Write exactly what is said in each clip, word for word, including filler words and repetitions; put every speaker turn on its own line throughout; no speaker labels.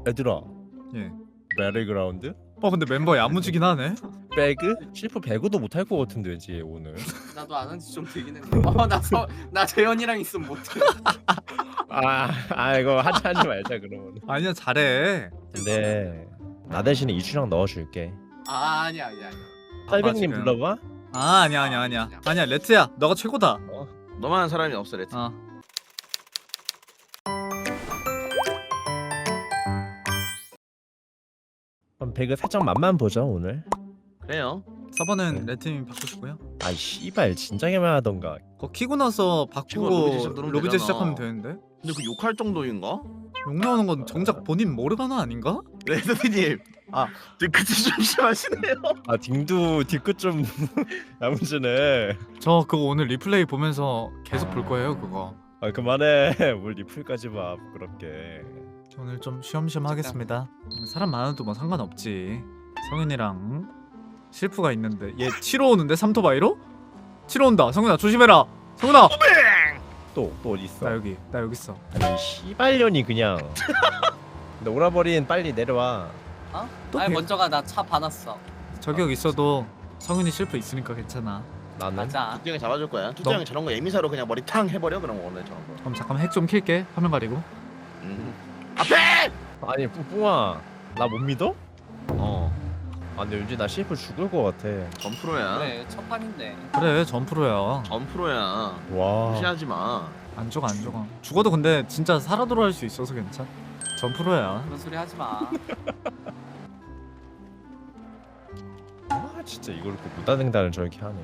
얘들아,
예.
메리그라운드?
어 근데 멤버 야무지긴 하네.
배그? 실프 배그도 못할 것 같은데 왠지 오늘.
나도 안 한 지 좀 되긴 했는데. 어나나 재현이랑 있으면 못해.
아, 아 이거 하지 하지 말자 그러면.
아니야 잘해.
근데 나 대신에 이슈랑 넣어줄게.
아 아니야 아니야. 아니야.
딸백님
지금.
불러봐.
아 아니야 아니야 아니야 아니야 레트야 너가 최고다.
너만한 사람이 없어 레트.
어.
그럼 배그 살짝 맛만 보자 오늘.
그래요.
서버는
네.
레트님이 바꾸시고요.
아 씨발 진작에만 하던가.
그거 키고 나서
키고 로비제
바꾸고
시작 누르면
로비제
되잖아.
시작하면 되는데.
근데 그 욕할 정도인가?
욕 나오는 건 정작 본인 모르가나 아닌가?
레트님. 아, 뒤끝이 좀 심하시네요.
아 딩두 뒤끝 좀 야무지네.
저 그거 오늘 리플레이 보면서 계속 볼 거예요 그거.
아 그만해. 뭘 리플까지 봐 부끄럽게.
오늘 좀 쉬엄쉬엄 하겠습니다. 사람 많아도 뭐 상관없지. 성윤이랑 실프가 있는데 얘 치러 오는데 삼토바이로? 치러 온다. 성윤아 조심해라. 성윤아.
또 또 어디 있어?
나 여기 나 여기 있어.
아니 씨발년이 그냥. 노라버린 빨리 내려와.
어?
또
아니
배-
먼저 가. 나 차 받았어.
저격 있어도 성윤이 실프 있으니까 괜찮아.
나는.
가자.
투형이 잡아줄 거야. 투형이 저런 거 에미사로 그냥 머리 탕 해버려 그럼 오늘 저런 거.
그럼 잠깐만 핵 좀 킬게. 화면 가리고.
음. 앞에!
아니 뿌뿌아 나 못 믿어?
어.
아 근데 왠지 나 씨에프 죽을 것 같아.
전 프로야.
그래 첫 판인데.
그래 전 프로야.
전 프로야.
와.
무시하지 마.
안 죽어 안 죽어. 죽어도 근데 진짜 살아 돌아올 수 있어서 괜찮. 전 프로야.
그런 소리 하지 마.
아 진짜 이걸 또 무다등단을 저렇게 하네.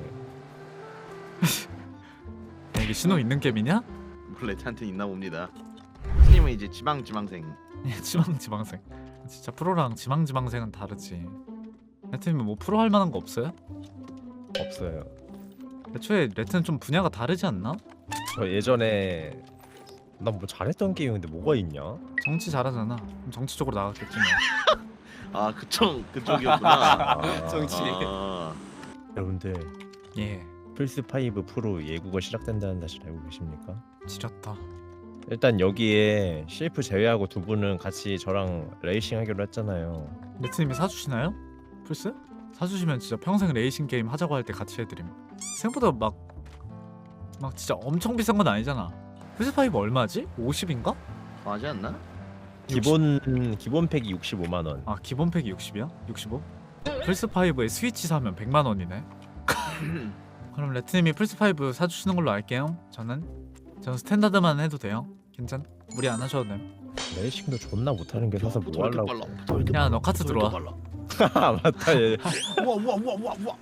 야, 이게 신호 있는 게임이냐?
레트한테 있나 봅니다. 스님은 이제 지방 지망생.
지망 지망생. 진짜 프로랑 지망 지망생은 다르지. 레트님은 뭐 프로 할 만한 거 없어요?
없어요.
애초에 레트는 좀 분야가 다르지 않나?
저 예전에 나 뭐 잘했던 게임인데 뭐가 있냐?
정치 잘하잖아. 그럼 정치 쪽으로 나갔겠지 뭐.
아 그쪽 그쪽이었구나.
아,
정치.
아,
여러분들
예.
플스 파이브 프로 예고가 시작된다는 사실 알고 계십니까?
지렸다.
일단 여기에 씨에프 제외하고 두 분은 같이 저랑 레이싱 하기로 했잖아요.
레트님이 사주시나요? 플스? 사주시면 진짜 평생 레이싱 게임 하자고 할 때 같이 해드림. 생각보다 막 막 진짜 엄청 비싼 건 아니잖아. 플스 파이브 얼마지? 오십인가?
더 하지 않나?
기본 기본 팩이 육십오만 원.
아 기본 팩이 육십이야? 육십오? 플스 파이브에 스위치 사면 백만 원이네. 그럼 레트님이 플스 파이브 사주시는 걸로 알게요. 저는 저는 스탠다드만 해도 돼요. 괜찮? 무리 안 하셔도 됨.
레이싱도 존나 못하는 게 사서 뭐 하려고?
야, 너 카트 들어와.
아 맞다 얘.
우와 우와 우와 우와 우와.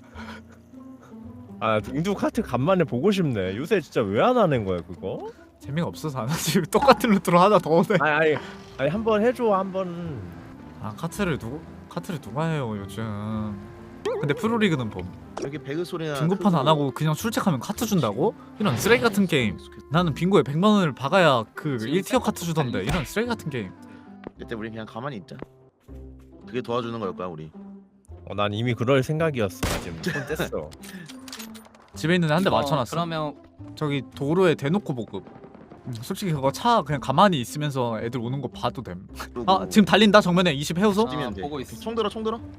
아 딩두 카트 간만에 보고 싶네. 요새 진짜 왜 안 하는 거야 그거?
재미가 없어서 안 하지. 똑같은 루트로 하나 더 오네.
아니 아니 아니 한번 해줘 한번.
아 카트를 누구 카트를 누가 해요 요즘. 근데 프로리그는 봄.
여기 배그 소리나.
빙고판 안 하고 그냥 출첵하면 카트 준다고? 이런 쓰레기 같은 게임. 나는 빙고에 백만 원을 박아야 그 일 티어 카트 주던데 이런 쓰레기 같은 게임.
이때 우리 그냥 가만히 있자. 그게 도와주는 걸 거야 우리.
어, 난 이미 그럴 생각이었어. 나 지금 손 뗐어.
집에 있는 애 한 대
어,
맞춰놨어.
그러면
저기 도로에 대놓고 보급. 음, 솔직히 그거 차 그냥 가만히 있으면서 애들 오는 거 봐도 됨.
그리고
아 지금 달린다 정면에 이십 해우소?
아,
뛰면 돼.
보고 있어.
총 들어 총 들어.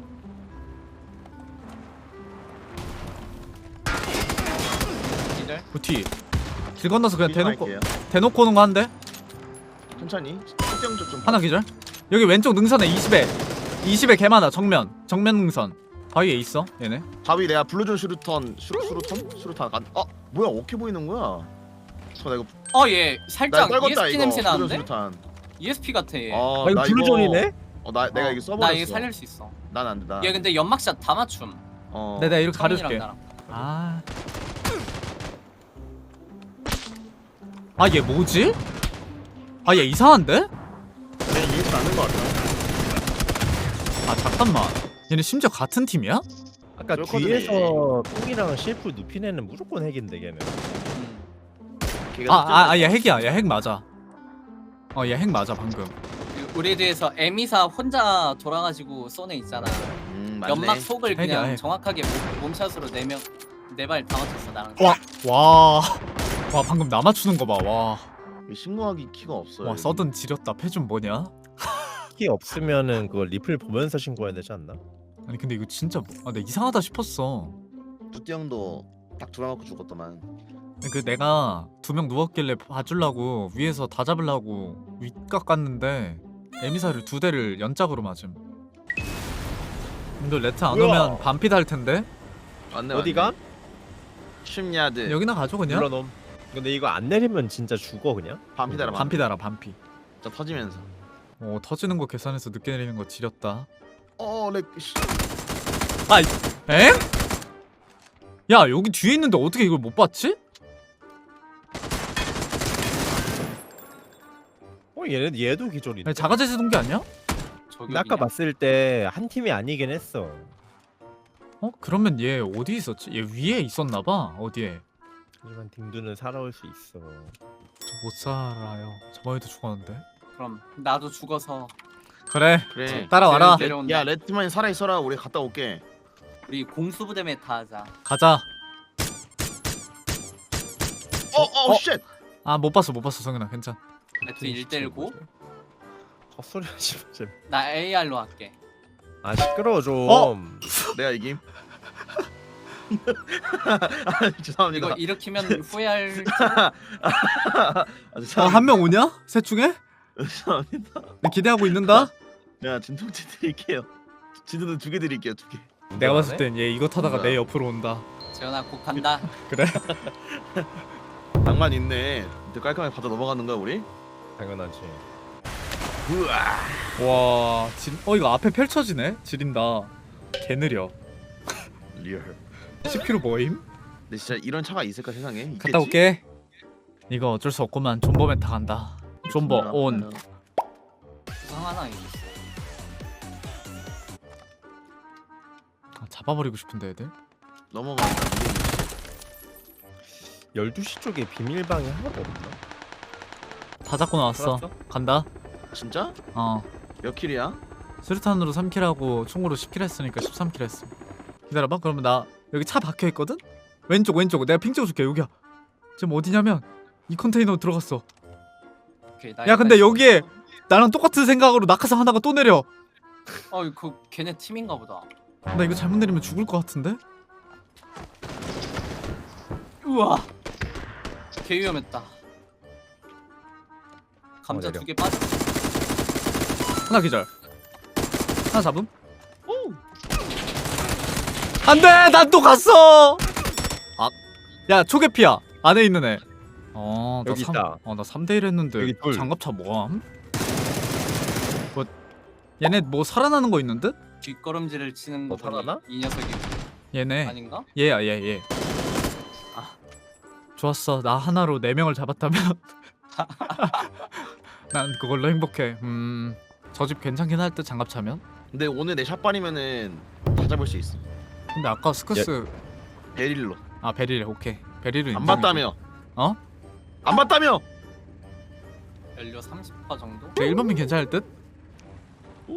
기절.
부티. 길 건너서 그냥 대놓고
할게요.
대놓고 오는 거 한 대.
천천히. 특정 쪽좀
하나 기절. 여기 왼쪽 능선에 이십에 이십에 개 많아. 정면 정면 능선. 바위에 있어 얘네.
바위 내가 불러준 슈루턴 슈루 슈루턴 슈루탄 안. 아 뭐야 어떻게 보이는 거야? 저 나 이거
어얘
나
살짝
떨궜다
이에스피
이거.
냄새
불러준
나는데?
슈루탄.
이에스피 같아 얘.
어,
아 이거
나
블루존이네?
어, 나 내가
어,
이거 써버렸어.
나 이거 살릴 수 있어.
난 안 돼. 나.
얘 근데 연막샷 다 맞춤.
어.
내가 이렇게
성인이랑
가려줄게.
나랑.
아. 아 얘 뭐지? 아 얘 이상한데?
내 이해가 안는 거 같아.
아 잠깐만. 얘네 심지어 같은 팀이야?
아까
그렇거든,
뒤에서 똥이랑 씨에프 눕힌 애는 무조건 핵인데 걔는.
음.
걔가
아아 아 얘 핵이야. 얘 핵 맞아. 어 얘 핵 맞아 방금.
그 우리 뒤에서 에미사 혼자 돌아가지고 쏘네 있잖아.
음, 맞네.
연막 속을
핵이야,
그냥
핵.
정확하게 몸- 몸샷으로 네명 네 발 다 맞췄어 나랑.
와. 와. 와 방금 나 맞추는 거 봐. 와.
신고하기 키가 없어요.
와
여기.
서든 지렸다. 패준 뭐냐?
피 없으면은 그거 리플 보면서 신고해야 되지 않나?
아니 근데 이거 진짜 뭐, 아, 내가 이상하다 싶었어.
뚜띠 형도 딱 두방 맞고 죽었더만.
그 내가 두 명 누웠길래 봐주려고 위에서 다 잡으려고 윗각 갔는데 에미사를 두 대를 연짝으로 맞음. 근데 레트 안
뭐야?
오면 반피 달 텐데.
맞네.
어디가?
십 야드.
여기나 가죠 그냥.
물러놈. 근데 이거 안 내리면 진짜 죽어 그냥?
반피 달아.
반피 달아 반피.
저 터지면서.
어 터지는 거 계산해서 늦게 내리는 거 지렸다.
어, 렉. 씨.
엥? 야 여기 뒤에 있는데 어떻게 이걸 못 봤지?
어 얘네 얘도 기절이네.
아니, 자가제시 동기 아니야?
저기
나 아까
어디냐?
봤을 때 한 팀이 아니긴 했어.
어? 그러면 얘 어디 있었지? 얘 위에 있었나봐. 어디에?
하지만 딩두는 살아올 수 있어.
저 못 살아요. 저번에도 죽었는데.
그럼 나도 죽어서
그래.
그래.
따라와라.
내- 내려온다.
야, 레트만이 살아 있어라. 우리 갔다 올게.
우리 공수부대 메타 하자.
가자.
어, 어,
어?
쉣.
아 못 봤어 못 봤어 성현아 괜찮.
레트 일 대 일 고.
헛소리 하지 마. 제발.
나 에이알로 할게.
아 시끄러워 좀.
어?
내가 이김. 아, 죄송합니다.
이거 일으키면 후회할.
아, 죄송합니다.
어한 명 오냐? 셋 중에?
죄송합니다.
내 기대하고 있는다.
내가 진통제 드릴게요. 진통제 두 개 드릴게요. 두 개.
내가 봤을 땐 얘 이거 타다가
뭐야?
내 옆으로 온다.
재현아 곧 간다.
그래?
낭만 있네. 이제 깔끔하게 받아 넘어가는 거야 우리?
당연하지.
우와.
와, 진, 어 이거 앞에 펼쳐지네. 지린다. 개 느려.
리얼.
십 킬로미터 뭐임?
근데 진짜 이런 차가 있을까 세상에? 있겠지?
갔다 올게. 이거 어쩔 수 없구만. 존버 메타 간다. 존버 온.
부상 하나 있어.
아, 잡아버리고 싶은데 애들.
넘어가니까.
열두 시 쪽에 비밀방이 하나도 없나?
다 잡고 나왔어.
살았어?
간다.
진짜?
어.
몇 킬이야?
수류탄으로 삼 킬하고 총으로 십 킬 했으니까 십삼 킬 했음. 기다려봐. 그러면 나 여기 차 박혀 있거든. 왼쪽 왼쪽. 내가 핑 찍어줄게. 여기야. 지금 어디냐면 이 컨테이너 들어갔어.
오케이, 나
야 근데
일단
여기에
있어.
나랑 똑같은 생각으로 낙하산 하나가 또 내려.
어, 그 걔네 팀인가 보다.
나 이거 잘못 내리면 죽을 것 같은데?
우와. 개 위험했다. 감자
어, 내려.
두 개 빠져.
하나 기절. 하나 잡음. 안돼, 난 또 갔어. 아, 야 초계피야. 안에 있는 애. 어, 나
여기
삼,
있다.
어, 나 삼 대 일 했는데
여기 둘.
장갑차 뭐함? 뭐 얘네 뭐 살아나는 거 있는 듯?
뒷걸음질을 치는
뭐
거 보니
살아나?
이 녀석이
얘네.
아닌가?
얘야, 얘, 얘.
아.
좋았어. 나 하나로 네 명을 잡았다면 난 그걸로 행복해. 음, 저 집 괜찮긴 할 듯 장갑차면.
근데 오늘 내 샷발이면은 다 잡을 수 있어.
근데 아까 스커스
베릴로.
아 베릴 오케이. 베릴은
안
인정이고.
봤다며?
어?
안 봤다며?
연료 삼십 퍼센트 정도?
제 일 번민 괜찮을 듯?
오.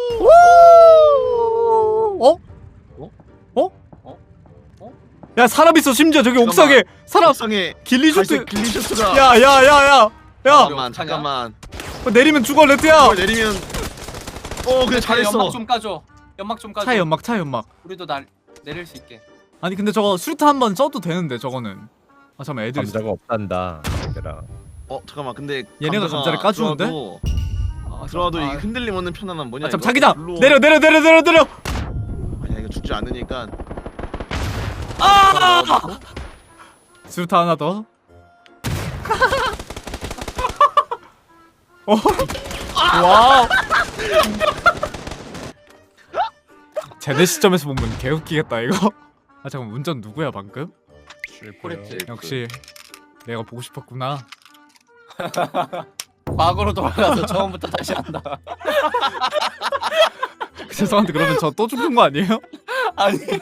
어?
어?
어?
어? 어?
야 사람 있어. 심지어 저기
잠깐만.
옥상에 사람.
상에
길리쇼트.
글리쇼트가.
야야야야. 야,
잠깐만
어떡하냐?
잠깐만.
어, 내리면 죽어 레트야.
이걸 내리면. 어 그래 잘했어.
연막 좀 까줘. 연막 좀 까줘.
차에 연막, 차에 연막.
우리도 날 내릴 수 있게.
아니 근데 저거 수류탄 한 번 써도 되는데 저거는. 아 잠깐 애들.
감자가 없단다. 얘들아.
어 잠깐만 근데
얘네가 감자를 까주는데?
들어와도,
아,
들어와도
아,
이 흔들림 없는 편안함 뭐냐?
아, 참
이거?
자기장
물로-
내려 내려 내려 내려 내려.
아니야 이거 죽지 않으니까.
아! 수류탄 하나 더. 어? 와. 제대 시점에서 보면 개웃기겠다 이거. 아 잠깐 운전 누구야 방금?
코레트.
역시 내가 보고 싶었구나.
과거로 돌아가서 처음부터 다시 한다.
죄송한데 그러면 저 또 죽는 거 아니에요?
아니 죽기,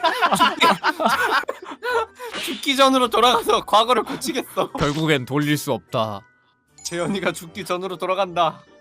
죽기 전으로 돌아가서 과거를 고치겠어.
결국엔 돌릴 수 없다.
재현이가 죽기 전으로 돌아간다.